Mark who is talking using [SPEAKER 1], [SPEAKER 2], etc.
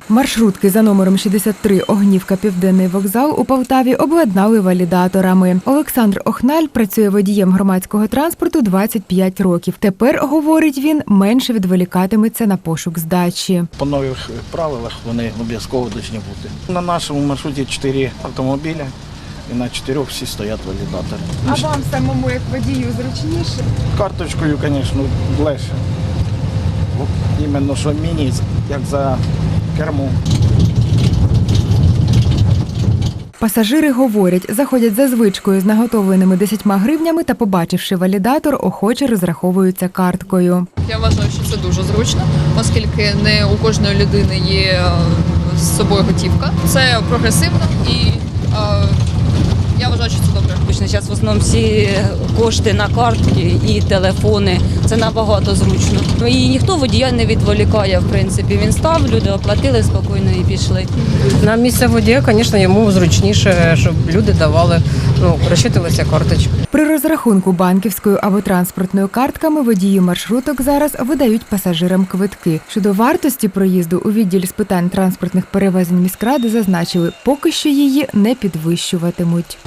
[SPEAKER 1] Маршрутки за номером 63 Огнівка Південний вокзал у Полтаві обладнали валідаторами. Олександр Охналь працює водієм громадського транспорту 25 років. Тепер, говорить він, менше відволікатиметься на пошук здачі.
[SPEAKER 2] По нових правилах вони обов'язково повинні бути. На нашому маршруті 4 автомобіля і на 4 всі стоять валідатори.
[SPEAKER 1] А вам самому як водію зручніше?
[SPEAKER 2] Карточкою, звісно, легше. Іменно що міні, як за кермом.
[SPEAKER 1] Пасажири говорять, заходять за звичкою з наготовленими 10 гривнями та, побачивши валідатор, охоче розраховуються карткою.
[SPEAKER 3] Я вважаю, що це дуже зручно, оскільки не у кожної людини є з собою готівка. Це прогресивно і я вважаю, що це добре.
[SPEAKER 4] Зараз в основному всі кошти на картки і телефони. Це набагато зручно. І ніхто водія не відволікає, в принципі. Він став, люди оплатили спокійно і пішли.
[SPEAKER 5] На місце водія, звісно, йому зручніше, щоб люди давали, розчитувалися карточкою.
[SPEAKER 1] При розрахунку банківською або транспортною картками водії маршруток зараз видають пасажирам квитки. Щодо вартості проїзду у відділі з питань транспортних перевезень міськради зазначили, поки що її не підвищуватимуть.